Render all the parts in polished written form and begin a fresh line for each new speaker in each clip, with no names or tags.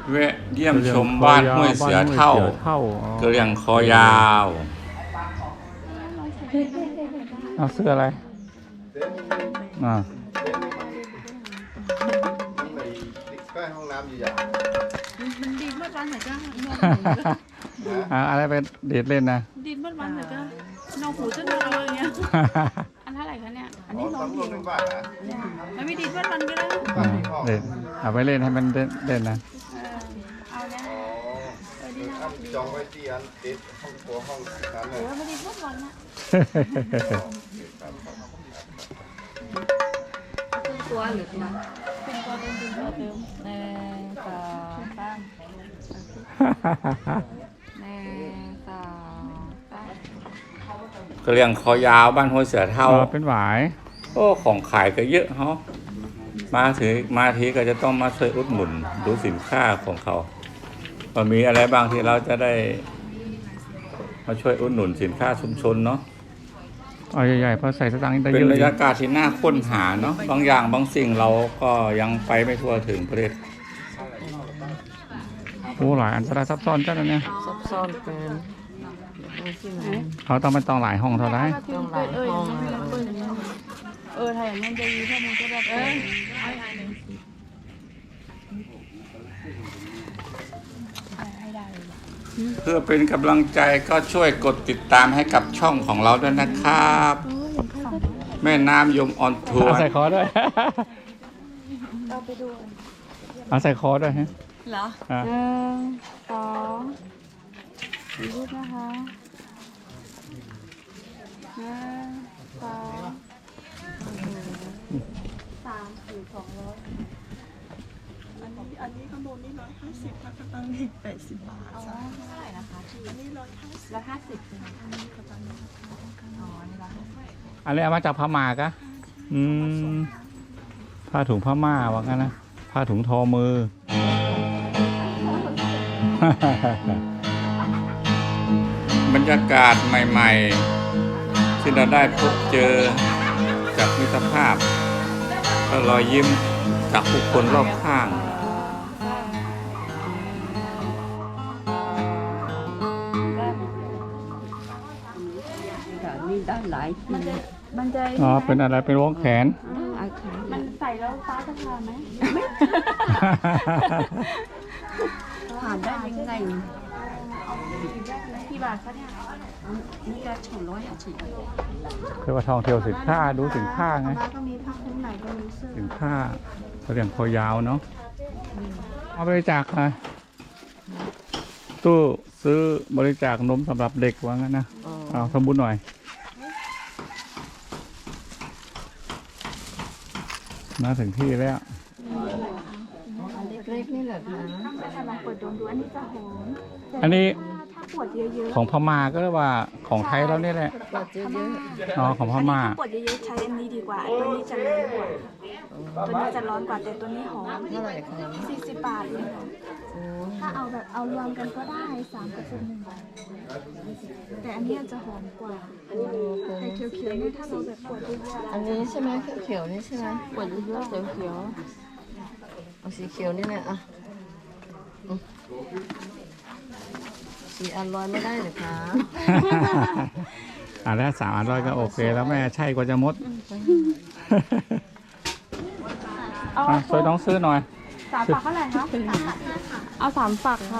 แวะเยี่ยมชมบ้านห้วยเสือเท่ากระเรียงคอยาว
เอาเสื้ออะไร
ใกล้ห้องน้ำอยู่อย่าง
มันดินเมื่อวันไหนจ้า
อะไรไปเดทเล่นนะ
ดินเมื่อวันไหนจ้าน้องหูจะนอนอย่างเงี้ยอันเท่าไหร่คะเนี่ยอันนี้น้องหูมันไม่ดินเมื่อวันก็ได้
เล่นเอาไปเล่นให้มันเล่นนะ
เอาเนี่ย
จองไว้ที่อันติดห้องครัวห้องนั้นเลย
ไม่ดินเมื่อวันนะตัวหรือตัวเป็นตัวเดิมเป็นตัวเดิม1 2 3
กระเรียงคอยาวบ้านห้วยเสือเท่า
เป็นหวาย
โอ้ของขายก็เยอะเนาะมาทีก็จะต้องมาช่วยอุดหนุนดูสินค้าของเขาว่ามีอะไรบ้างที่เราจะได้มาช่วยอุดหนุนสินค้าชุมชนเนาะ
เอาใหญ่ๆเพราะใส่สตางค์ได้เยอะ
เป็นบรรยากาศที่น่าค้นหาเนาะบางอย่างบางสิ่งเราก็ยังไปไม่ทั่วถึงประเทศ
โอ้หลายอันตรายซับซ้อนจังเลยเนี่ย
ซับซ้อนเป็น
เขาต้องไปต้องหลายห้องเท่าไร
ต้องหลายห้อง
ถ้าอย่างนั้นจะมีข้อมูลก็แบบ
เพื่อเป็นกำลังใจก็ช่วยกดติดตามให้กับช่องของเราด้วยนะครับแม่น้ำยมออนทัวร์
ใส่คอด้วยเอาใส่คอด้วยฮะ
เหรอ1 2รูปนะคะ1 2 3 4 200
อันนี้ข้างบนนี่150ค่ะข้างล่างนี่80 บาท
เท่าไหร่นะคะ
อันนี้
150อันนี้ข้างล่างนี่
อันนี้เอามาจากพม่ากะผ้าถุงพม่าว่างั้นนะผ้าถุงทอมือ
บรรยากาศใหม่ๆที่เราได้พบเจอจากมิตรภาพและรอยยิ้มจากผู้คนรอบข้าง
นี่ได้หลายที
มันจะ
เป็นอะไรเป็นวงแขน
มันใส่แล้วฟ้าจะทานไหม
ผ่านได้ยังไง
กี่บาทคะเนี่ย
นี่ก็250
คือว่าทองเที่ยวสินค้าดูสินค้าไง
ก็มีผ้าคลุมไหนก็มีเสื้อ
สินค้าเขาเรียกคอยาวเนาะเอาบริจาคค่ะตู้ซื้อบริจาคนมสำหรับเด็กว่างั้นนะเอาทำบุญหน่อยมาถึงที่แล้ว
เล็กๆนี่แหละนะ
ถ้าลองเปิดดูอันนี้จะหอม
อันนี้
ถ้าปวดเยอะๆ
ของพม่าก็เรียกว่าของไทยแล้วนี่แหละ
ปวดเยอะ
ๆของพม่า
ปวดเยอะๆใช้อันนี้ดีกว่าตัวนี้จะร้อนกว่าตัวนี้จะร้อนกว่าแต่ตัวนี้หอม
เท่าไหร่คะ
40 บาทเลยค่ะถ้าเอาแบบเอารวมกันก็ได้3 กระปุก1 บาทแต่อันนี้จะหอมกว่าแต่เขียวๆนี่ถ้าเราแบบปวดเยอะ
อันนี้ใช่ไหมเขียวนี่ใช่ไหมปวดเยอะๆเขียวเอาสีเขียวนี่แหละสีอันร้อยไม่ได้หรือคะ
แล้ว300ก็โอเคแล้วแม่ใช่กว่าจะมดช่วยน้องซื้อหน่อย
3 ฝักเท่าไหร่คะเอา3 ฝักค่ะ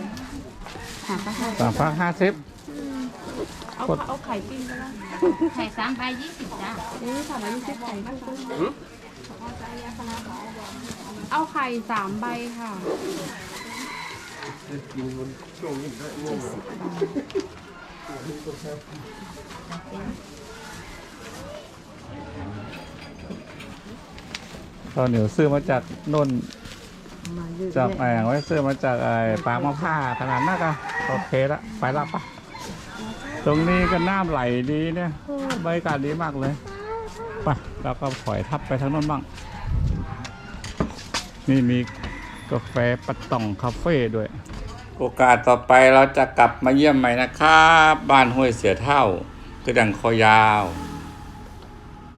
3 ฝัก50
เอาไข่ปิ้งก็ได้
ไข่3 ใบ 20จ้ะ
นี่3 ใบ 20ไข่เอาไข่3 ใบค่ะ
ตอนเหนียวซื้อมาจากน่นจากแองไว้ซื้อมาจากปางมะพร้าวขนาดนั้นก็โอเคละไปละปะตรงนี้ก็น้ำไหลดีเนี่ยบรรยากาศดีมากเลยไปแล้วก็ถอยทับไปทางโน้นบ้างนี่มีกาแฟปัตต่องคาเฟ่ด้วย
โอกาสต่อไปเราจะกลับมาเยี่ยมใหม่นะครับบ้านห้วยเสือเท่ากระดังคอยาว